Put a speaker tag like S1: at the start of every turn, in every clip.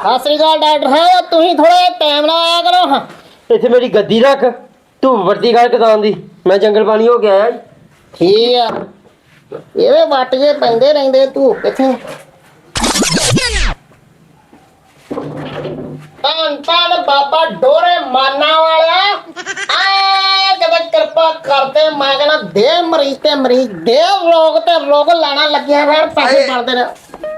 S1: ਸਤਿ ਸ੍ਰੀ ਅਕਾਲ ਡਾਕਟਰ ਸਾਹਿਬ, ਤੁਸੀਂ ਥੋੜਾ ਟਾਈਮ ਨਾਲ ਆਇਆ ਕਰੋ। ਹਾਂ
S2: ਇੱਥੇ ਮੇਰੀ ਗੱਦੀ ਰੱਖ, ਧੂਪ ਵਰਤੀ ਕਰ ਕਿਸਾਨ ਦੀ। ਮੈਂ ਜੰਗਲ ਪਾਣੀ ਹੋ ਕੇ ਆਇਆ।
S1: ਠੀਕ ਆ, ਇਹਦੇ ਵੱਟ ਜੇ ਪੈਂਦੇ ਰਹਿੰਦੇ ਧੂਪ ਕਿੱਥੇ। ਧੰਨ ਬਾਬਾ ਡੋਰੇ ਮਾਨਾ ਵਾਲਿਆ, ਆਏ ਕਦੇ ਕਿਰਪਾ ਕਰਦੇ। ਮੈਂ ਕਹਿੰਦਾ ਦੇ ਮਰੀਜ਼ ਤੇ ਮਰੀਜ਼ ਦੇ, ਰੋਗ ਤੇ ਰੋਗ ਲੈਣਾ ਲੱਗਿਆ ਰਹਿਣ, ਪੈਸੇ ਬਣਦੇ ਨੇ।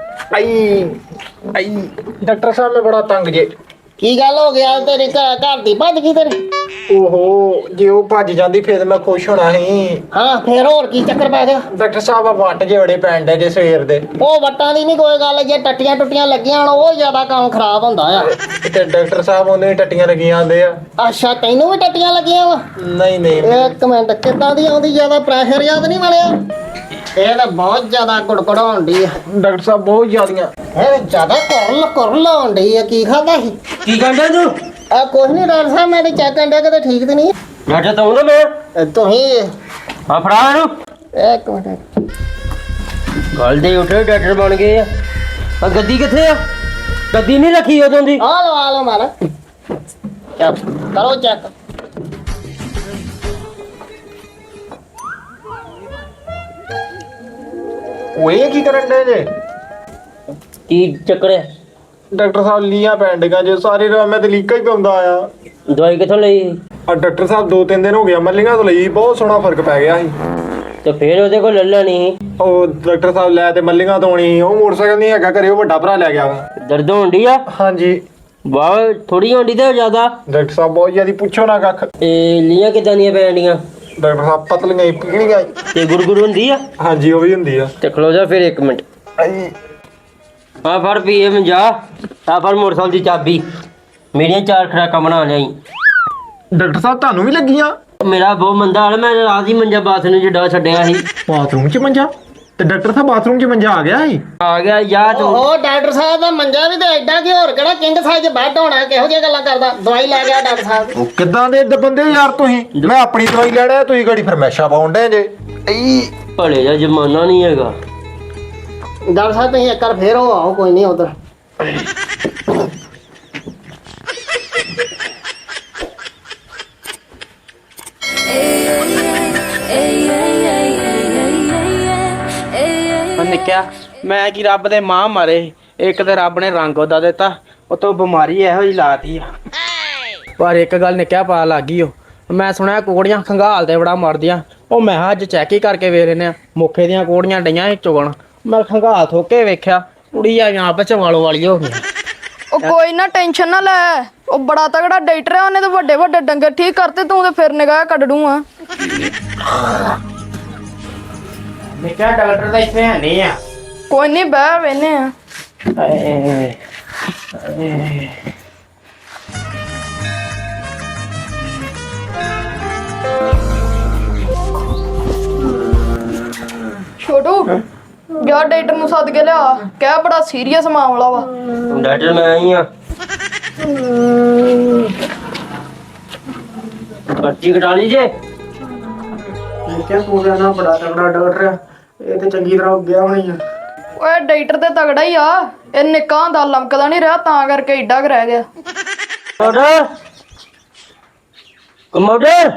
S3: ਆਈ ਡਾਕਟਰ ਸਾਹਿਬ ਮੈਂ ਬੜਾ ਤੰਗ ਜੇ।
S1: ਕੀ ਗੱਲ ਹੋ ਗਿਆ? ਤੇਰੀ ਘਰ ਦੀ ਭੱਜ ਗਈ ਤੇਰੀ?
S3: ਓਹੋ, ਜੇ ਉਹ ਭੱਜ ਜਾਂਦੀ ਫਿਰ ਮੈਂ ਖੁਸ਼ ਹੋਣਾ ਸੀ।
S1: ਹਾਂ ਫੇਰ ਹੋਰ ਕੀ ਚੱਕਰ ਪੈ ਗਿਆ?
S3: ਡਾਕਟਰ ਸਾਹਿਬ ਆ ਵੱਟ ਜੇ ਬੜੇ ਪੈਣ ਡੇ ਜੇ ਸਵੇਰ ਦੇ।
S1: ਉਹ ਵੱਟਾਂ ਦੀ ਨਹੀਂ ਕੋਈ ਗੱਲ, ਜੇ ਟੱਟੀਆਂ ਟੁੱਟੀਆਂ ਲੱਗੀਆਂ ਹੋਣ ਉਹ ਜ਼ਿਆਦਾ ਕੰਮ ਖਰਾਬ ਹੁੰਦਾ ਆ।
S3: ਤੇ ਡਾਕਟਰ ਸਾਹਿਬ ਉਹਨੇ ਟੱਟੀਆਂ ਲੱਗੀਆਂ ਆਂਦੇ ਆ।
S1: ਅੱਛਾ ਤੈਨੂੰ ਵੀ ਟੱਟੀਆਂ ਲੱਗੀਆਂ ਵਾ?
S3: ਨਹੀਂ ਨਹੀਂ
S1: ਇੱਕ ਮਿੰਟ, ਕਿੱਦਾਂ ਦੀ ਆਉਂਦੀ? ਜ਼ਿਆਦਾ ਪ੍ਰੈਸ਼ਰ ਯਾਦ ਨਹੀਂ ਮਿਲਿਆ? ਇਹ ਤਾਂ ਬਹੁਤ ਜ਼ਿਆਦਾ ਗੁੜਗੁੜ ਹੋਣ ਡਈ ਆ।
S3: ਡਾਕਟਰ ਸਾਹਿਬ ਬਹੁਤ ਜ਼ਿਆਦੀਆਂ।
S1: ਇਹ ਜ਼ਿਆਦਾ ਕੁਰਲ ਹੋਣ ਡਈ ਆ। ਕੀ ਖਾਦਾ ਸੀ?
S2: ਕੀ ਕਹਿੰਦਾ ਤੂੰ?
S1: ਆ ਕੁਛ ਨਹੀਂ ਡਾਕਟਰ ਸਾਹਿਬ, ਮੈਂ ਤੇ ਚੈੱਕ ਕਰਨ ਡਿਆ, ਕਿਤੇ ਠੀਕ ਤੇ ਨਹੀਂ?
S2: ਡਾਕਟਰ ਤਾਂ ਹੁੰਦਾ ਮੈਂ।
S1: ਤੁਸੀਂ
S2: ਆ ਫੜਾ ਇਹਨੂੰ।
S1: ਇੱਕ ਮਿੰਟ,
S2: ਗੱਲ ਦੇ ਉੱਠੇ ਡਾਕਟਰ ਬਣ ਗਏ ਆ ਗੱਦੀ ਕਿੱਥੇ ਆ? ਗੱਦੀ ਨਹੀਂ ਰੱਖੀ ਉਦੋਂ ਦੀ।
S1: ਆ ਲਓ ਮਾਰਾ, ਚੱਲ ਕਰੋ ਚੈੱਕ।
S3: ਓਏ ਕੀ ਕਰਨ ਡੇ ਜੇ?
S2: ਕੀ ਚੱਕਰ ਹੈ?
S3: ਡਾਕਟਰ ਸਾਹਿਬ ਲੀਆਂ ਪੈਣ ਡੀਆਂ ਜੇ ਸਾਰੇ ਰਾਤ ਮੈਂ ਤੇ ਲੀਕਾ ਹੀ ਪਾਉਂਦਾ ਆਇਆ।
S2: ਦਵਾਈ ਕਿੱਥੋਂ ਲਈ?
S3: ਆ ਡਾਕਟਰ ਸਾਹਿਬ 2-3 ਦਿਨ ਹੋ ਗਿਆ ਮੱਲੀਆਂ ਤੋਂ ਲਈ, ਬਹੁਤ ਸੋਹਣਾ ਫਰਕ ਪੈ ਗਿਆ ਸੀ।
S2: ਤੇ ਫੇਰ ਉਹਦੇ ਕੋਲ ਲੱਲਾ ਨਹੀਂ?
S3: ਉਹ ਡਾਕਟਰ ਸਾਹਿਬ ਲੈ ਤੇ ਮੱਲੀਆਂ ਤੋਂ ਆਉਣੀ ਸੀ, ਉਹ ਮੋਟਰਸਾਈਕਲ ਨਹੀਂ ਹੈਗਾ ਘਰੇ, ਉਹ ਵੱਡਾ ਭਰਾ ਲੈ ਗਿਆ ਵਾ।
S2: ਦਰਦ ਹੋਣ ਡਈ ਆ?
S3: ਹਾਂਜੀ
S2: ਵਾਹ, ਥੋੜੀ ਹੋਣ ਡਈ ਤੇ ਜ਼ਿਆਦਾ?
S3: ਡਾਕਟਰ ਸਾਹਿਬ ਬਹੁਤ ਜ਼ਿਆਦਾ, ਪੁੱਛੋ ਨਾ ਕੱਖ।
S2: ਇਹ ਲੀਆਂ ਕਿੱਦਾਂ ਦੀਆਂ ਪੈਣ ਡੀਆਂ?
S3: ਡਾਕਟਰ ਸਾਹਿਬ ਪਤਲੀਆਂ ਹੀ ਪੀਣੀਆਂ।
S2: ਤੇ ਗੁਰਗੁਰ ਹੁੰਦੀ ਆ?
S3: ਹਾਂਜੀ ਉਹ ਵੀ ਹੁੰਦੀ ਆ।
S2: ਤੇ ਖਲੋ ਜਾ ਫਿਰ 1 ਮਿੰਟ।
S3: ਆਈ
S2: ਆ ਫੜ ਪੀਏ ਮੰਜਾ, ਆ ਫੜ ਮੋਟਰਸਾਈਕਲ ਦੀ ਚਾਬੀ, ਮੇਰੀਆਂ 4 ਖੁਰਾਕਾਂ ਬਣਾ ਲਿਆਈ।
S3: ਡਾਕਟਰ ਸਾਹਿਬ ਤੁਹਾਨੂੰ ਵੀ ਲੱਗੀਆਂ?
S2: ਮੇਰਾ ਬਹੁਤ ਮੰਦਾ ਹਾਲ, ਮੈਂ ਰਾਤ ਹੀ ਮੰਜਾ ਬਾਥਰੂਮ 'ਚ ਡਾ ਛੱਡਿਆ ਸੀ।
S3: ਬਾਥਰੂਮ 'ਚ ਮੰਜਾ? ਤੇ ਡਾਕਟਰ ਸਾਹਿਬ ਬਾਥਰੂਮ 'ਚ ਮੰਜਾ ਆ ਗਿਆ ਸੀ?
S2: ਆ ਗਿਆ ਯਾ ਤੂੰ।
S1: ਉਹ ਡਾਕਟਰ ਸਾਹਿਬ ਦਾ ਮੰਜਾ ਵੀ ਤੇ ਐਡਾ ਕਿ ਹੋਰ ਕਿਹੜਾ ਕਿੰਗ ਸਾਈਜ਼ ਬੈੱਡ ਹੋਣਾ? ਕਿਹੋ ਜਿਹੀਆਂ ਗੱਲਾਂ ਕਰਦਾ? ਦਵਾਈ ਲੈ ਗਿਆ ਡਾਕਟਰ ਸਾਹਿਬ।
S3: ਉਹ ਕਿੱਦਾਂ ਦੇ ਬੰਦੇ ਯਾਰ ਤੁਸੀਂ? ਮੈਂ ਆਪਣੀ ਦਵਾਈ ਲੈਣਾ, ਤੁਸੀਂ ਗਾੜੀ ਫਰਮੈਸ਼ਾ ਪਾਉਣ ਡੇ ਜੇ।
S2: ਭਲੇ ਦਾ ਜ਼ਮਾਨਾ ਨਹੀਂ ਹੈਗਾ।
S1: ਡਾਕਟਰ ਸਾਹਿਬ ਤੁਸੀਂ ਇੱਕ ਵਾਰ ਫੇਰ ਹੋ ਆਓ, ਕੋਈ ਨਹੀਂ ਉਧਰ।
S4: ਨਿੱਕਿਆ ਮੈਂ ਕੀ ਰੱਬ ਦੇ ਮਾਂ ਮਾਰੇ, ਇੱਕ ਤੇ ਰੱਬ ਨੇ ਰੰਗ ਉਹਦਾ ਦਿੱਤਾ, ਉਤੋਂ ਬਿਮਾਰੀ ਇਹੋ ਜਿਹੀ ਲਾਤੀ ਆ। ਪਰ ਇੱਕ ਗੱਲ ਨਿੱਕਿਆ ਪਾ ਲੱਗ ਗਈ, ਉਹ ਮੈਂ ਸੁਣਿਆ ਕੋੜੀਆਂ ਖੰਗਾਲ ਤੇ ਬੜਾ ਮਰਦੀਆਂ। ਉਹ ਮੈਂ ਅੱਜ ਚੈੱਕ ਹੀ ਕਰਕੇ ਵੇਖ ਲੈਨੇ ਆ, ਮੁੱਖੇ ਦੀਆਂ ਕੋੜੀਆਂ ਡਈਆਂ ਚੁਗਣ। ਮੈਂ ਖੰਗਾਲ ਥੋਕੇ ਵੇਖਿਆ, ਕੁੜੀ ਆ ਜਾਂ ਪਚਵਾਲੋ ਵਾਲੀ ਹੋ ਗਈ।
S5: ਉਹ ਕੋਈ ਨਾ ਟੈਨਸ਼ਨ ਨਾ ਲੈ, ਉਹ ਬੜਾ ਤਗੜਾ ਡਾਕਟਰ ਆ, ਉਹਨੇ ਤਾਂ ਵੱਡੇ ਵੱਡੇ ਡੰਗਰ ਠੀਕ ਕਰਤੇ, ਤੂੰ ਤੇ ਫਿਰ ਨਿਗਾਹ ਕੱਢ ਦੂੰ ਆ।
S4: ਨਿੱਕਿਆ ਡਾਕਟਰ ਤਾਂ ਇੱਥੇ ਹੈ ਨਹੀਂ ਆ।
S5: ਕੋਈ ਨਹੀਂ ਬਹਿ ਵੇਨੇ ਆ। ਛੋਟੂ ਯਾਰ ਡਾਕਟਰ ਨੂੰ ਸੱਦ ਕੇ ਲਿਆ, ਕਹਿ ਬੜਾ ਸੀਰੀਅਸ ਮਾਮਲਾ ਵਾ।
S2: ਡਾਕਟਰ ਮੈਂ ਆਈ ਆ, ਪਰਚੀ ਕਟਾ ਲਈ ਜੇ।
S4: ਨਿੱਕਿਆ ਪੂਰਾ ਨਾ ਬੜਾ ਤਗੜਾ ਡਾਕਟਰ ਆ, ਇਹ ਤੇ ਚੰਗੀ ਤਰ੍ਹਾਂ ਗਿਆ ਹੋਣੀ ਆ।
S5: ਓਏ ਡਾਕਟਰ ਤੇ ਤਗੜਾ ਹੀ ਆ, ਇਹ ਨਿੱਕਾ ਹੁੰਦਾ ਲਮਕਦਾ ਨਹੀਂ ਰਿਹਾ, ਤਾਂ ਕਰਕੇ ਏਡਾ ਕੁ ਰਹਿ ਗਿਆ।
S2: ਕਮੋਡਰ ਕਮੋਡਰ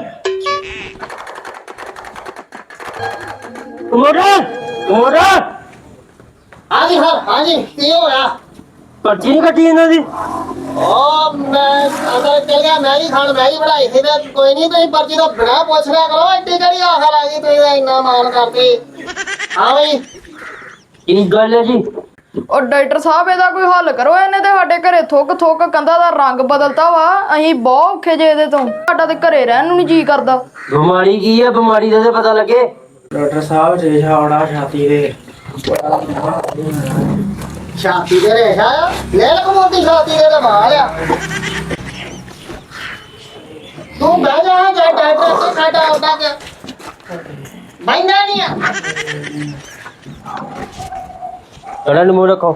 S2: ਕਮੋਡਰ ਕਮੋਡਰ,
S1: ਹਾਂਜੀ ਸਰ, ਹਾਂਜੀ ਕੀ ਹੋਇਆ?
S2: ਪਰਚੀ ਨਹੀਂ ਕੱਟੀ ਇਹਨਾਂ ਦੀ?
S1: ਉਹ ਮੈਂ ਅੰਦਰ ਚਲ ਗਿਆ, ਮੈਂ ਹੀ ਖਾਣ ਮੈਂ ਹੀ ਬਣਾਈ ਸੀ ਤੇ ਕੋਈ ਨਹੀਂ, ਤੁਸੀਂ ਪਰਚੀ ਤੋਂ ਬਿਨਾਂ ਪੁੱਛ ਲਿਆ ਕਰੋ। ਐਡੀ ਕਿਹੜੀ ਆਖਰ ਆ ਗਈ, ਤੁਸੀਂ ਇੰਨਾ ਮਾਣ ਕਰਦੇ? ਹਾਂ ਬਈ
S2: ਕੀ ਗੱਲ ਹੈ ਜੀ?
S5: ਉਹ ਡਾਕਟਰ ਸਾਹਿਬ ਇਹਦਾ ਕੋਈ ਹੱਲ ਕਰੋ, ਇਹਨੇ ਤੇ ਸਾਡੇ ਘਰੇ ਥੁੱਕ ਥੁੱਕ ਕੰਧਾਂ ਦਾ ਰੰਗ ਬਦਲਤਾ ਵਾ। ਅਸੀਂ ਬਹੁਤ ਔਖੇ ਜੇ ਇਹਦੇ ਤੋਂ, ਸਾਡਾ ਤੇ ਘਰੇ ਰਹਿਣ ਨੂੰ ਨਹੀਂ ਜੀ ਕਰਦਾ।
S2: ਬਿਮਾਰੀ ਕੀ ਹੈ? ਬਿਮਾਰੀ ਦਾ ਤਾਂ ਪਤਾ ਲੱਗੇ।
S4: ਡਾਕਟਰ ਸਾਹਿਬ ਰੇਸ਼ਾ ਆਉਣਾ ਛਾਤੀ ਦੇ।
S1: ਛਾਤੀ ਦੇ ਰੇਸ਼ਾ ਆ? ਲੈ ਲਕਮੋਤੀ ਛਾਤੀ ਦੇ ਤਾਂ ਮਾਲ ਆ। ਤੂੰ ਬਹਿ ਜਾ, ਜੇ ਡਾਕਟਰ ਤੇ ਸਾਡਾ ਆਉਂਦਾ ਕਿ ਬੈਠਾ ਨਹੀਂ ਆ।
S2: ਪਹਿਲਾਂ ਨੂੰ ਮੂੰਹ ਰੱਖੋ।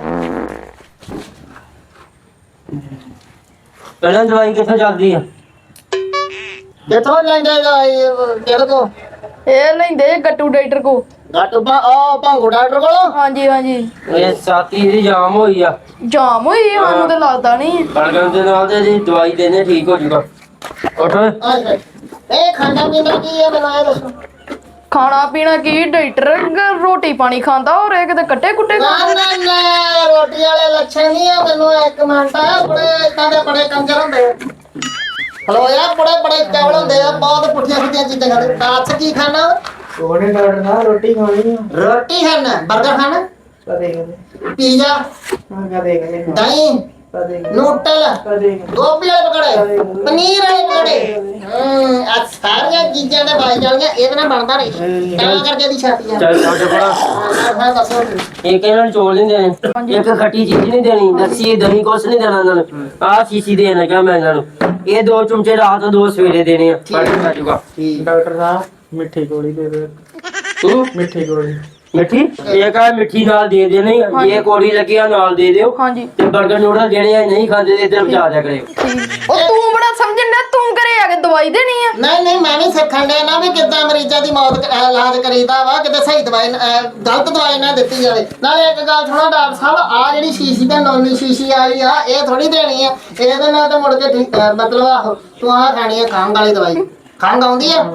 S2: ਪਹਿਲਾਂ ਦਵਾਈ ਕਿੱਥੋਂ ਚੱਲਦੀ ਆ?
S1: ਕਿੱਥੋਂ ਲੈਂਦੇ ਤੇਰੇ ਕੋ?
S5: ਇਹ ਲੈਂਦੇ ਗੱਟੂ ਡਾਕਟਰ ਕੋ
S1: ਡਾਕਟਰ ਉਹ ਭੰਗੂ ਡਾਕਟਰ ਕੋਲ
S5: ਹਾਂਜੀ ਹਾਂਜੀ
S2: ਇਹ ਸਾਥੀ ਦੀ ਜਾਮ ਹੋਈ ਆ
S5: ਜਾਮ ਹੋਈ ਸਾਨੂੰ ਤੇ ਲੱਗਦਾ ਨਹੀਂ
S2: ਬਲਗਮ ਦੇ ਨਾਲ ਤੇ ਜੀ ਦਵਾਈ ਦੇਣੇ ਠੀਕ ਹੋ ਜੂਗਾ ਉੱਠ
S1: ਇਹ ਖਾਣਾ ਪੀਣਾ ਕੀ ਹੈ ਮੈਨੂੰ ਇਹ ਦੱਸੋ
S5: ਖਾਣਾ ਪੀਣਾ ਕੀ ਡਾਕਟਰ ਰੋਟੀ ਪਾਣੀ ਖਾਂਦਾ ਔਰ ਇਹ ਕਿਤੇ ਕੱਟੇ ਕੁੱਟੇ
S1: ਨਾ ਰੋਟੀ ਵਾਲੇ ਲੱਛਣ ਨਹੀਂ ਆ ਮੈਨੂੰ ਇੱਕ ਮਿੰਟ ਬੜੇ ਇਦਾਂ ਦੇ ਬੜੇ ਕੰਜਰ ਹੁੰਦੇ ਆ ਹਲੋ ਯਾਰ ਬੜੇ ਚਾਵਲ ਹੁੰਦੇ ਆ ਬਹੁਤ ਪੁੱਠੀਆਂ ਪੁੱਠੀਆਂ ਚੀਜ਼ਾਂ ਖਾਂਦੇ ਰਾਤ ਕੀ ਖਾਣਾ
S4: ਕੋਨੇ ਡਾਕਟਰ ਸਾਹਿਬ ਰੋਟੀ ਖਾਣੀ ਆ
S1: ਰੋਟੀ ਖਾਣਾ 버ਗਰ ਖਾਣਾ
S4: ਕਦੇ ਕਦੇ
S1: ਪੀਜ਼ਾ
S4: ਹਾਂ ਕਦੇ ਕਦੇ
S1: ਦਹੀਂ
S4: ਕਦੇ
S1: ਨੂਡਲ
S4: ਕਦੇ
S1: ਗੋਭੀ ਵਾਲੇ ਪਕੌੜੇ ਪਨੀਰ ਵਾਲੇ ਪਕੌੜੇ ਆ ਸਾਰੀਆਂ ਚੀਜ਼ਾਂ ਦੇ ਬਾਈ ਜਾਣੀਆਂ ਇਹਦੇ ਨਾਲ ਬਣਦਾ ਨਹੀਂ ਤਾਂ ਕਰਕੇ ਦੀ ਛਾਤੀ ਆ
S2: ਚੱਲ ਛੱਡ ਪੜਾ
S1: ਹਾਂ ਦੱਸੋ
S2: ਇੱਕ ਇਹਨਾਂ ਨੂੰ ਚੋਲ ਨਹੀਂ ਦੇਣੇ ਇੱਕ ਖੱਟੀ ਚੀਜ਼ ਨਹੀਂ ਦੇਣੀ ਲੱਸੀ ਦਹੀਂ ਕੁਛ ਨਹੀਂ ਦੇਣਾ ਇਹਨਾਂ ਨੂੰ ਆਹ ਸ਼ੀਸ਼ੀ ਦੇਣਾ ਕਿਹਾ ਮੈਂ ਇਹਨਾਂ ਨੂੰ ਇਹ 2 ਚਮਚੇ ਰਾਤ 2 ਸਵੇਰੇ ਦੇਣੇ ਆ ਪੜ ਕੇ ਜੂਗਾ
S4: ਡਾਕਟਰ ਸਾਹਿਬ ਮਿੱਠੀ ਗੋਲੀ ਦੇ ਦਿਓ
S2: ਤੂੰ
S4: ਮਿੱਠੀ ਗੋਲੀ
S2: ਮਿੱਠੀ ਇਹ ਕਾ ਮਿੱਠੀ ਨਾਲ ਦੇ ਦੇ ਨਹੀਂ ਜੇ ਕੋੜੀ ਲੱਗਿਆ ਨਾਲ ਦੇ ਦਿਓ
S5: ਹਾਂਜੀ
S2: ਤੇ 버ਗਰ ਨੂਡਲ ਜਿਹੜੇ ਆ ਨਹੀਂ ਖਾਂਦੇ ਤੇ ਇੱਧਰ ਪਹੁੰਚਾ ਦਿਆ ਕਰਿਓ
S5: ਉਹ ਤੂੰ ਬੜਾ ਸਮਝਣ ਡਿਆ ਤੂੰ ਘਰੇ ਆ ਕੇ ਦਵਾਈ ਦੇਣੀ ਆ
S1: ਨਹੀਂ ਮੈਂ ਵੀ ਸਿੱਖਣ ਡਿਆ ਨਾ ਵੀ ਕਿੱਦਾਂ ਮਰੀਜ਼ਾਂ ਦੀ ਮੌਤ ਇਲਾਜ ਕਰੀਦਾ ਵਾ ਕਿਤੇ ਸਹੀ ਦਵਾਈ ਗਲਤ ਦਵਾਈ ਨਾ ਦਿੱਤੀ ਜਾਵੇ ਨਾਲੇ ਇੱਕ ਗੱਲ ਸੁਣੋ ਡਾਕਟਰ ਸਾਹਿਬ ਆ ਜਿਹੜੀ ਸ਼ੀਸ਼ੀ ਤੇ ਨੌਨੀ ਸ਼ੀਸ਼ੀ ਆਈ ਆ ਇਹ ਥੋੜੀ ਦੇਣੀ ਆ ਇਹਦੇ ਨਾਲ ਤਾਂ ਮੁੜ ਕੇ ਠੀਕ ਮਤਲਬ ਆਹੋ ਤੂੰ ਆ ਖਾਣੀ ਆ ਖੰਘ ਵਾਲੀ ਦਵਾਈ ਖੰਘ ਆਉਂਦੀ ਆ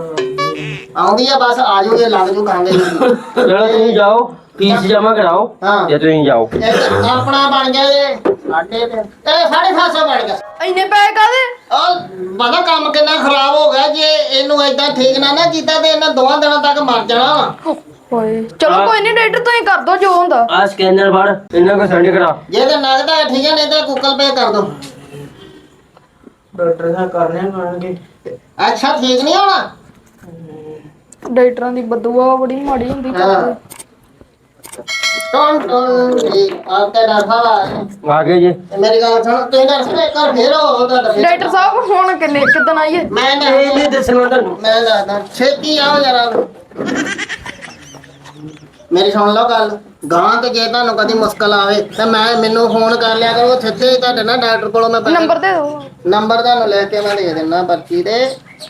S1: ਬਸ ਆ ਜਾਓ ਇਹ ਲੱਗ ਜੂ ਖੰਘ
S2: ਚਲੋ ਤੁਸੀਂ ਜਾਓ ਫੀਸ ਜਮਾ ਕਰਾਓ
S1: ਹਾਂ।
S2: ਤੇ ਤੁਸੀਂ ਜਾਓ
S1: ਆਪਣਾ ਬਣ ਗਿਆ ਜੇ ਸਾਡੇ ਤੇ ਇਹ 750 ਬਣ ਗਿਆ
S5: ਇੰਨੇ ਪੈਸੇ ਕਾਦੇ
S1: ਉਹ ਪਤਾ ਕੰਮ ਕਿੰਨਾ ਖਰਾਬ ਹੋ ਗਿਆ ਜੇ ਇਹਨੂੰ ਏਦਾਂ ਠੀਕ ਨਾ ਕੀਤਾ ਤੇ ਇਹਨਾਂ 2 ਦਿਨਾਂ ਤੱਕ ਮਰ ਜਾਣਾ ਵਾ
S5: ਹੋਏ ਚਲੋ ਕੋਈ ਨਹੀਂ ਡਾਕਟਰ ਤੁਸੀਂ ਕਰ ਦੋ ਜੋ ਹੁੰਦਾ
S2: ਆ ਸਕੈਨਰ ਫੜ ਇਹਨਾਂ ਕੋ ਸੈਂਡ ਕਰਾ
S1: ਜੇ ਤੇ ਨਗਦਾ ਠੀਕ ਹੈ ਨਹੀਂ ਤਾਂ ਗੂਗਲ ਪੇ ਕਰ ਦੋ
S4: ਡਾਕਟਰ ਸਾਹਿਬ ਕਰਨੇ ਪੈਣਗੇ
S1: ਅੱਛਾ ਠੀਕ ਨਹੀਂ ਹੋਣਾ
S5: ਡਾਕਟਰਾਂ ਦੀ ਬਦਦੁਆ ਬੜੀ ਮਾੜੀ ਹੁੰਦੀ ਕਰਦੇ
S1: ਟੋਨ ਜੀ ਆਪਕੇ ਡਾਕਟਰ
S2: ਆ ਗਏ ਜੀ
S1: ਮੇਰੀ ਗੱਲ ਸੁਣ ਤੁਸੀਂ ਦੱਸ ਕਰ ਫੇਰ ਉਹ ਤੁਹਾਡਾ
S5: ਡਾਕਟਰ ਸਾਹਿਬ ਹੁਣ ਕਿੱਦਣ ਆਈਏ
S1: ਮੈਂ
S2: ਇਹ ਨਹੀਂ ਦੱਸਣਾ ਤੁਹਾਨੂੰ
S1: ਮੈਂ ਦੱਸਦਾ ਛੇਤੀ ਆਓ ਜਰਾ ਮੇਰੀ ਸੁਣ ਲਓ ਗੱਲ ਗਾਂ ਤੇ ਜੇ ਤੁਹਾਨੂੰ ਕਦੀ ਮੁਸ਼ਕਲ ਆਵੇ ਤਾਂ ਮੈਨੂੰ ਫੋਨ ਕਰ ਲਿਆ ਕਰੋ ਸਿੱਧੇ ਤੁਹਾਡੇ ਨਾਲ ਡਾਕਟਰ ਕੋਲੋਂ ਮੈਂ
S5: ਨੰਬਰ ਦੇ ਦਿਓ
S1: ਨੰਬਰ ਤੁਹਾਨੂੰ ਲੈ ਕੇ ਮੈਂ ਦੇ ਦਿੰਦਾ ਪਰਚੀ ਤੇ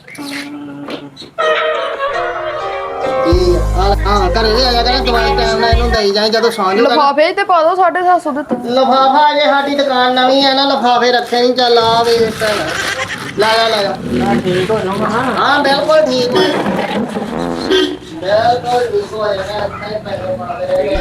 S1: ਹਾਂ ਘਰੇ ਵੀ ਆਇਆ ਕਰਾਂ ਦਵਾਈ ਟਾਈਮ ਨਾਲ ਇਹਨੂੰ ਦੇਈ ਜਾਏ ਜਦੋਂ ਸੌਂ ਜੂਗਾ
S5: ਲਫਾਫੇ ਤੇ ਪਾ ਦਿਓ 750 ਦਿੱਤਾ
S1: ਲਫਾਫਾ ਜੇ ਸਾਡੀ ਦੁਕਾਨ ਨਵੀਂ ਆ ਨਾ ਲਫਾਫੇ ਰੱਖੇ ਨਹੀਂ ਚੱਲ ਆ ਵੀ ਲੈ ਜਾ
S4: ਠੀਕ ਹੋ ਜਾਊਗਾ
S1: ਹਾਂ ਬਿਲਕੁਲ ਠੀਕ ਹੈ ਬਿਲਕੁਲ ਠੀਕ ਹੋ ਜਾਏਗਾ ਇੱਥੇ ਪੈਸੇ ਪਾ ਦੇ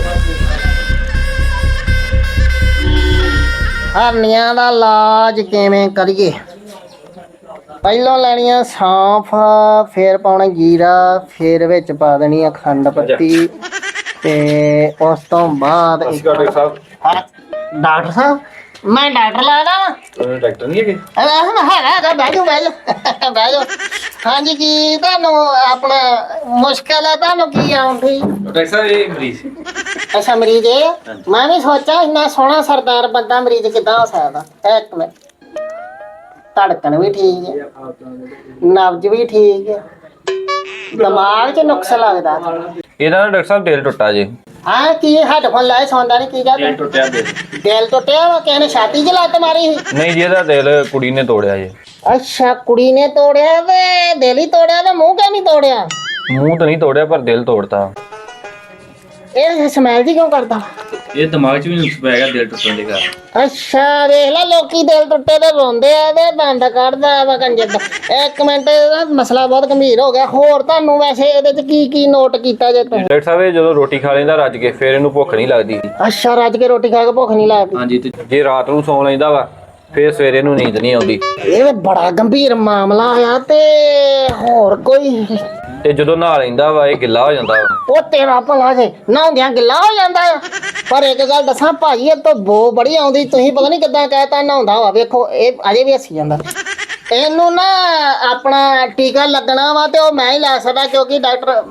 S1: ਹਰਨੀਆਂ ਦਾ ਇਲਾਜ ਕਿਵੇਂ ਕਰੀਏ ਪਹਿਲਾਂ ਲੈਣੀਆਂ ਸੌਂਫ ਫਿਰ ਪਾਉਣਾ ਜੀਰਾ ਫਿਰ ਵਿੱਚ ਪਾ ਦੇਣੀ ਆ ਖੰਡ ਪੱਤੀ ਤੇ ਉਸ ਤੋਂ ਬਾਅਦ
S3: ਡਾਕਟਰ ਸਾਹਿਬ
S1: ਡਾਕਟਰ ਸਾਹਿਬ ਮੈਂ ਡਾਕਟਰ ਲੱਗਦਾ
S3: ਡਾਕਟਰ ਨਹੀਂ ਹੈਗੇ
S1: ਹੈਗਾ ਬਹਿ ਜਾਓ ਹਾਂਜੀ ਕੀ ਤੁਹਾਨੂੰ ਆਪਣਾ ਮੁਸ਼ਕਲ ਹੈ ਤੁਹਾਨੂੰ ਕੀ ਆਉਂਦੀ
S3: ਡਾਕਟਰ ਸਾਹਿਬ ਇਹ ਮਰੀਜ਼
S1: ਅੱਛਾ ਮਰੀਜ਼ ਇਹ ਮੈਂ ਵੀ ਸੋਚਿਆ ਇੰਨਾ ਸੋਹਣਾ ਸਰਦਾਰ ਬੰਦਾ ਮਰੀਜ਼ ਕਿੱਦਾਂ ਹੋ ਸਕਦਾ ਇੱਕ ਮਿੰਟ ਧੜਕਣ ਵੀ ਠੀਕ ਹੈ ਨਬਜ ਵੀ ਠੀਕ ਹੈ ਦਿਮਾਗ 'ਚ ਨੁਕਸ ਲੱਗਦਾ
S6: ਇਹਦਾ ਨਾ ਡਾਕਟਰ ਸਾਹਿਬ ਦਿਲ ਟੁੱਟਾ ਜੀ
S1: ਹਾਂ ਕੀ ਹੈਡਫੋਨ ਲਾਏ ਸੌਂਦਾ ਨਹੀਂ ਕੀ ਗੱਲ
S6: ਟੁੱਟਿਆ ਦਿਲ
S1: ਦਿਲ ਟੁੱਟਿਆ ਵਾ ਕਿਸੇ ਨੇ ਛਾਤੀ 'ਚ ਲੱਤ ਮਾਰੀ ਸੀ
S6: ਨਹੀਂ ਜੀ ਇਹਦਾ ਦਿਲ ਕੁੜੀ ਨੇ ਤੋੜਿਆ ਜੀ
S1: ਅੱਛਾ ਕੁੜੀ ਨੇ ਤੋੜਿਆ ਵੇ ਦਿਲ ਹੀ ਤੋੜਿਆ ਤੇ ਮੂੰਹ ਕਿਉਂ ਨਹੀਂ ਤੋੜਿਆ
S6: ਮੂੰਹ ਤਾਂ ਨਹੀਂ ਤੋੜਿਆ ਪਰ ਦਿਲ ਤੋੜਤਾ
S1: ਇਹ ਸਮੈਲ ਜੀ ਕਿਉਂ ਕਰਦਾ
S6: ਇਹ ਦਿਮਾਗ 'ਚ ਵੀ ਨੁਕਸ ਪੈ ਗਿਆ ਦਿਲ ਟੁੱਟਣ ਦੇ ਕਾਰਨ
S1: ਅੱਛਾ ਵੇਖ ਲੈ ਲੋਕੀ ਦਿਲ ਟੁੱਟੇ ਤੇ ਰੋਂਦੇ ਆ ਤੇ ਦੰਦ ਕੱਢਦਾ ਵਾ ਕੰਜਰ ਦਾ ਇੱਕ ਮਿੰਟ ਇਹਦਾ ਮਸਲਾ ਬਹੁਤ ਗੰਭੀਰ ਹੋ ਗਿਆ ਹੋਰ ਤੁਹਾਨੂੰ ਵੈਸੇ ਇਹਦੇ ਚ ਕੀ ਨੋਟ ਕੀਤਾ ਜੇ ਤੁਸੀਂ
S6: ਡਾਕਟਰ ਸਾਹਿਬ ਇਹ ਜਦੋਂ ਰੋਟੀ ਖਾ ਲੈਂਦਾ ਰੱਜ ਕੇ ਫਿਰ ਇਹਨੂੰ ਭੁੱਖ ਨਹੀਂ ਲੱਗਦੀ
S1: ਅੱਛਾ ਰੱਜ ਕੇ ਰੋਟੀ ਖਾ ਕੇ ਭੁੱਖ ਨਹੀਂ ਲੱਗਦੀ
S6: ਹਾਂਜੀ ਤੇ ਜੇ ਰਾਤ ਨੂੰ ਸੌਂ ਲੈਂਦਾ ਵਾ ਫਿਰ ਸਵੇਰੇ ਨੂੰ ਨੀਂਦ ਨਹੀਂ ਆਉਂਦੀ
S1: ਇਹ ਤਾਂ ਬੜਾ ਗੰਭੀਰ ਮਾਮਲਾ ਆ ਤੇ ਹੋਰ ਕੋਈ
S6: ਤੇ ਜਦੋਂ ਨਹਾ ਲੈਂਦਾ ਵਾ ਇਹ ਗਿੱਲਾ ਹੋ ਜਾਂਦਾ ਵਾ
S1: ਉਹ ਤੇਰਾ ਭਲਾ ਜੇ ਨਹਾਉਂਦਿਆਂ ਗਿੱਲਾ ਹੋ ਜਾਂਦਾ ਆ ਪਰ ਇੱਕ ਗੱਲ ਦੱਸਾਂ ਭਾਜੀ ਇਹ ਤਾਂ ਬੋ ਬੜੀ ਆਉਂਦੀ ਤੁਸੀਂ ਪਤਾ ਨਹੀਂ ਕਿੱਦਾਂ ਕਹਿਤਾ ਨਹਾਉਂਦਾ ਵਾ ਵੇਖੋ ਇਹ ਅਜੇ ਵੀ ਹੱਸੀ ਜਾਂਦਾ ਇਹਨੂੰ ਨਾ ਆਪਣਾ ਟੀਕਾ ਲੱਗਣਾ ਵਾ ਤੇ ਉਹ ਮੈਂ ਹੀ ਲਾ ਸਕਦਾ ਕਿਉਂਕਿ ਡਾਕਟਰ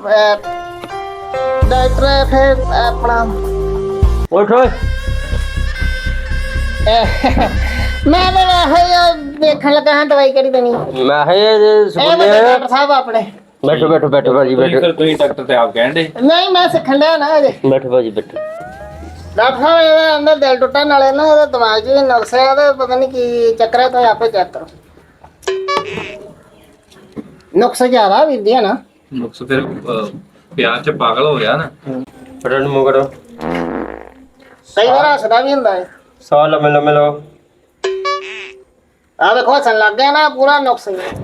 S1: ਫਿਰ ਆਪਣਾ
S2: ਉੱਠ ਓਏ
S1: ਮੈਂ ਤਾਂ ਵੈਸੇ ਵੇਖਣ ਲੱਗਾ ਹਾਂ ਦਵਾਈ ਕਿਹੜੀ ਦੇਣੀ
S2: ਮੈਂ ਇਹ
S1: ਇਹ
S2: ਸੁਣਿਆ
S1: ਵੱਡੇ ਡਾਕਟਰ ਸਾਹਿਬ ਆਪਣੇ
S2: ਬੈਠੋ ਭਾਜੀ ਬੈਠੋ
S6: ਤੁਸੀਂ ਡਾਕਟਰ ਤੇ ਆਪ ਕਹਿੰਦੇ
S1: ਨਹੀਂ ਮੈਂ ਸਿੱਖਣ ਡਿਆ ਨਾ ਅਜੇ
S2: ਬੈਠੋ ਭਾਜੀ ਬੈਠੋ
S1: ਡਾਕਟਰ ਸਾਹਿਬ ਇਹਦਾ ਅੰਦਰ ਦਿਲ ਟੁੱਟਣ ਨਾਲੇ ਨਾ ਇਹਦਾ ਦਿਮਾਗ 'ਚ ਵੀ ਨੁਕਸ ਹੈ ਤੇ ਪਤਾ ਨਹੀਂ ਕੀ ਚੱਕਰ ਹੈ ਤੁਸੀਂ ਆਪੇ ਚੈੱਕ ਕਰੋ ਨੁਕਸ ਜ਼ਿਆਦਾ ਵੀਰਦੀ ਹੈ ਨਾ
S6: ਨੁਕਸ ਫਿਰ ਪਿਆਰ ਚ ਪਾਗਲ ਹੋ ਗਿਆ ਨਾ।
S2: ਫੜਨ ਮੂੰਹ ਕਰੋ।
S1: ਕਈ ਵਾਰ ਹੱਸਦਾ ਵੀ ਹੁੰਦਾ ਹੈ।
S2: ਸਾਹ ਲੰਮੇ ਲੰਮੇ ਲਓ।
S1: ਆ ਵੇਖੋ ਹੱਸਣ ਲੱਗ ਗਿਆ ਨਾ, ਪੂਰਾ ਨੁਕਸ ਹੀ ਹੈ।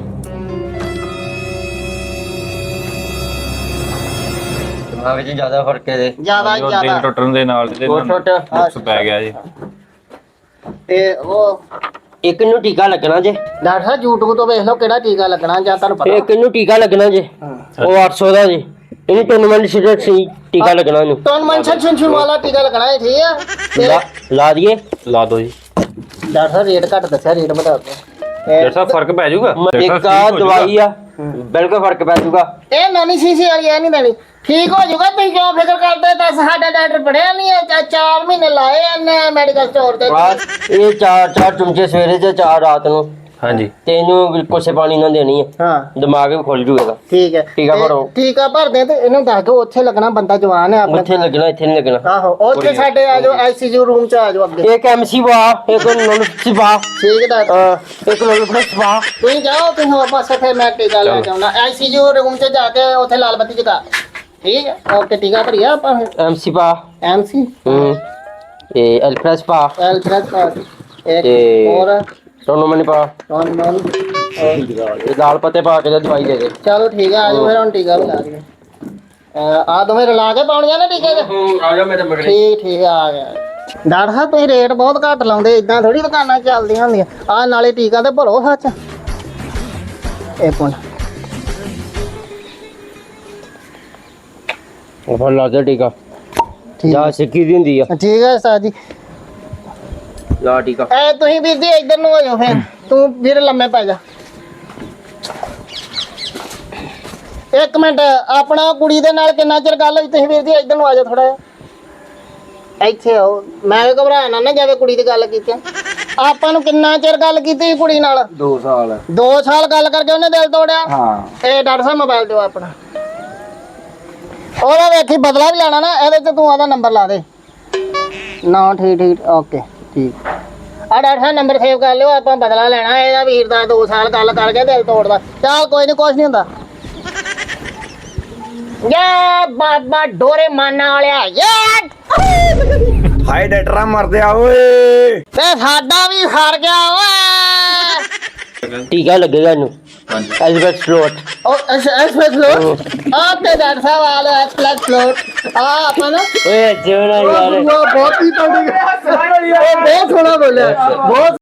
S2: ਦਿਮਾਗ 'ਚ ਜ਼ਿਆਦਾ ਫਰਕ ਹੈ ਇਹਦੇ।
S1: ਜ਼ਿਆਦਾ
S6: ਦਿਲ
S1: ਜ਼ਿਆਦਾ
S6: ਟੁੱਟਣ ਦੇ ਨਾਲ ਤੇ
S2: ਹੋਰ ਛੋਟ
S6: ਨੁਕਸ ਪੈ ਗਿਆ ਜੀ।
S1: ਤੇ ਉਹ
S2: ਇੱਕ ਨੂੰ ਟੀਕਾ ਲੱਗਣਾ ਜੇ।
S1: ਡਾਕਟਰ ਸਾਹਿਬ YouTube ਤੋਂ ਵੇਖ ਲਓ ਕਿਹੜਾ ਟੀਕਾ ਲੱਗਣਾ ਜਾਂ ਤੁਹਾਨੂੰ ਪਤਾ।
S2: ਇੱਕ ਨੂੰ ਟੀਕਾ ਲੱਗਣਾ ਜੇ। ਉਹ 800 ਦਾ ਜੀ। ਇਹਨੂੰ ਟੂਰਨਾਮੈਂਟ ਸ਼ੀਟ ਸੀ ਟੀਕਾ ਲੱਗਣਾ ਇਹਨੂੰ।
S1: ਤੁਹਾਨੂੰ ਮੈਂਸ਼ਨ ਸ਼ਿੰਸ਼ਨ ਵਾਲਾ ਟੀਕਾ ਲੱਗਣਾ ਹੈ, ਠੀਕ ਆ। ਤੇ
S2: ਲਾ ਦਈਏ।
S6: ਲਾ ਦੋ ਜੀ।
S1: ਡਾਕਟਰ ਸਾਹਿਬ ਰੇਟ ਘੱਟ ਦੱਸਿਆ, ਰੇਟ ਵਧਾ ਦਿਓ।
S6: ਡਾਕਟਰ ਸਾਹਿਬ ਫਰਕ ਪੈ ਜਾਊਗਾ।
S2: ਇੱਕ ਆ ਦਵਾਈ ਆ ਬਿਲਕੁਲ ਫਰਕ ਪੈ ਜਾਊਗਾ।
S1: ਇਹ ਨਾਨੀ ਸੀਸੀ ਵਾਲੀ ਐ ਨਹੀਂ ਦੇਣੀ, ਠੀਕ ਹੋ ਜਾਊਗਾ। ਤੁਸੀਂ ਕਿਉਂ ਫਿਕਰ ਕਰਦੇ? ਤਾਂ ਸਾਡਾ ਡਾਕਟਰ ਪੜਿਆ ਨਹੀਂ ਹੈ, 4 ਮਹੀਨੇ ਲਾਏ ਇਹਨੇ ਮੈਡੀਕਲ ਸਟੋਰ ਤੇ।
S2: ਬਸ ਇਹ 4 ਚਮਚੇ ਸਵੇਰੇ ਤੇ 4 ਰਾਤ ਨੂੰ।
S6: ਹਾਂਜੀ।
S2: ਤੇ ਇਹਨੂੰ ਕੋਸੇ ਪਾਣੀ ਨਾਲ ਦੇਣੀ ਹੈ।
S1: ਹਾਂ
S2: ਦਿਮਾਗ ਵੀ ਖੁੱਲ ਜੂਗਾ।
S1: ਠੀਕ ਹੈ।
S2: ਟੀਕਾ ਭਰੋ।
S1: ਟੀਕਾ ਭਰਦੇ ਤੇ ਇਹਨੂੰ ਦੱਸ ਦਿਓ ਉੱਥੇ ਲੱਗਣਾ, ਬੰਦਾ ਜਵਾਨ ਹੈ ਆਪਣਾ।
S2: ਉੱਥੇ ਲੱਗਣਾ ਇੱਥੇ ਨਹੀਂ ਲੱਗਣਾ।
S1: ਆਹੋ ਉੱਥੇ ਸਾਡੇ ਆ ਜਾਓ, ICU ਰੂਮ ਚ ਆ ਜਾਓ ਅੱਗੇ।
S2: ਇੱਕ ਐਮਸੀ ਵਾ ਇੱਕ ਨੋਲਸੀ ਵਾ
S1: ਠੀਕ ਹੈ ਡਾਕਟਰ,
S2: ਇੱਕ ਨੋਲਸੀ ਵਾ।
S1: ਤੁਸੀਂ ਜਾਓ, ਤੁਸੀਂ ਹੋਰ ਪਾਸੇ ਫਿਰ ਮੈਂ ਟੀਕਾ ਲੈ ਕੇ ਆਉਣਾ। ICU ਰੂਮ ਚ ਜਾ ਕੇ ਉੱਥੇ ਲਾਲ ਬੱਤੀ ਜਗਾ। ਠੀਕ ਹੈ, ਓਕੇ। ਟੀਕਾ ਭਰੀਆ ਆਪਾਂ ਫਿਰ।
S2: ਐਮਸੀ ਪਾ।
S1: MC
S2: ਇਹ ਐਲਫਰੈਸ ਪਾ।
S1: ਐਲਫਰੈਸ ਇੱਕ
S2: ਤੇ
S1: ਹੋਰ
S2: ਟੋਨੋਮਨੀ ਪਾ।
S1: ਨॉन
S2: ਇਹ ਦਾਲ ਪੱਤੇ ਪਾ ਕੇ ਤੇ ਦਵਾਈ ਦੇ ਦੇ।
S1: ਚਲੋ ਠੀਕ ਹੈ, ਆ ਜਾਓ ਫਿਰ ਹੁਣ ਟੀਕਾ ਲਗਾ ਦਈਏ। ਆ ਦੋਵੇਂ ਰਲਾ ਕੇ ਪਾਉਣੀਆਂ ਨਾ ਟੀਕੇ ਚ।
S2: ਆ ਜਾ ਮੇਰੇ ਮਗਰ।
S1: ਠੀਕ ਆ ਗਿਆ। ਡਾਕਟਰ ਸਾਹਿਬ ਤੁਸੀਂ ਰੇਟ ਬਹੁਤ ਘੱਟ ਲਾਉਂਦੇ, ਇਦਾਂ ਥੋੜੀ ਦੁਕਾਨਾਂ ਚੱਲਦੀਆਂ ਹੁੰਦੀਆਂ। ਆ ਨਾਲੇ ਟੀਕਾ ਤੇ ਭਰੋ ਸੱਚ। ਇੱਕ ਮਿੰਟ,
S2: ਉਹ ਫੜ ਲਾ ਦੇ ਟੀਕਾ।
S1: ਠੀਕ
S2: ਜਾ ਸਿੱਕੀ ਦੀ ਹੁੰਦੀ ਆ।
S1: ਠੀਕ ਹੈ ਉਸਤਾਦ ਜੀ।
S2: ਲਾ ਟੀਕਾ।
S1: ਤੁਸੀਂ ਵੀਰ ਜੀ ਇੱਧਰ ਨੂੰ ਹੋ ਜਾਓ ਫਿਰ। ਤੂੰ ਵੀਰ ਲੰਮੇ ਪੈ ਜਾ। ਇੱਕ ਮਿੰਟ, ਆਪਣਾ ਕੁੜੀ ਦੇ ਨਾਲ ਕਿੰਨਾ ਚਿਰ ਗੱਲ ਹੋਈ? ਤੁਸੀਂ ਵੀਰ ਜੀ ਇੱਧਰ ਨੂੰ ਆ ਜਾਓ ਥੋੜਾ ਜਿਹਾ। ਇੱਥੇ ਆਓ, ਮੈਂ ਘਬਰਾ ਨਾ ਜਾਵੇ ਕੁੜੀ ਦੀ ਗੱਲ ਕੀਤੀ। ਆਪਾਂ ਨੂੰ ਕਿੰਨਾ ਚਿਰ ਗੱਲ ਕੀਤੀ ਸੀ ਕੁੜੀ ਨਾਲ?
S2: 2 ਸਾਲ।
S1: 2 ਸਾਲ ਗੱਲ ਕਰਕੇ ਉਹਨੇ ਦਿਲ ਤੋੜਿਆ।
S2: ਹਾਂ।
S1: ਇਹ ਡਾਕਟਰ ਸਾਹਿਬ ਮੋਬਾਈਲ ਦਿਓ ਆਪਣਾ। ਉਹਦਾ ਵੇਖੀ ਬਦਲਾ ਵੀ ਲੈਣਾ ਨਾ, ਇਹਦੇ ਤੇ ਤੂੰ ਆਦਾ ਨੰਬਰ ਲਾ ਦੇ ਨਾ। ਠੀਕ ਓਕੇ ਠੀਕ ਆ। ਡਾਕਟਰ ਸਾਹਿਬ ਨੰਬਰ ਸੇਵ ਕਰ ਲਿਓ, ਆਪਾਂ ਬਦਲਾ ਲੈਣਾ ਇਹਦਾ ਵੀਰ ਦਾ। 2 ਸਾਲ ਗੱਲ ਕਰਕੇ ਦਿਲ ਤੋੜਦਾ। ਚੱਲ ਕੋਈ ਨਹੀਂ, ਕੁਛ ਨਹੀਂ ਹੁੰਦਾ। ਯਾ ਬਾਬਾ ਡੋਰੇ ਮਾਨਾ ਵਾਲਿਆ ਯਾ।
S3: ਹਾਏ ਡਾਕਟਰਾਂ ਮਰਦੇ ਆ ਓਏ।
S1: ਤੇ ਸਾਡਾ ਵੀ ਹਾਰ ਗਿਆ ਓਏ।
S2: ਟੀਕਾ ਲੱਗੇਗਾ ਇਹਨੂੰ। Albert float.
S1: ਉਹ ਐਸਪੈਸ ਫਲੋਟ। ਤੇ ਡਾਕਟਰ ਸਾਹਿਬ ਆ ਲੋ ਐਸਪੈਸ ਫਲੋਟ। ਆਪਾਂ ਨਾ
S2: ਓਏ ਜਿਉਣਾ ਯਾਰ।
S1: ਬਹੁਤ ਹੀ ਤਗੜੀ। ਬਹੁਤ ਸੋਹਣਾ ਬੋਲਿਆ, ਬਹੁਤ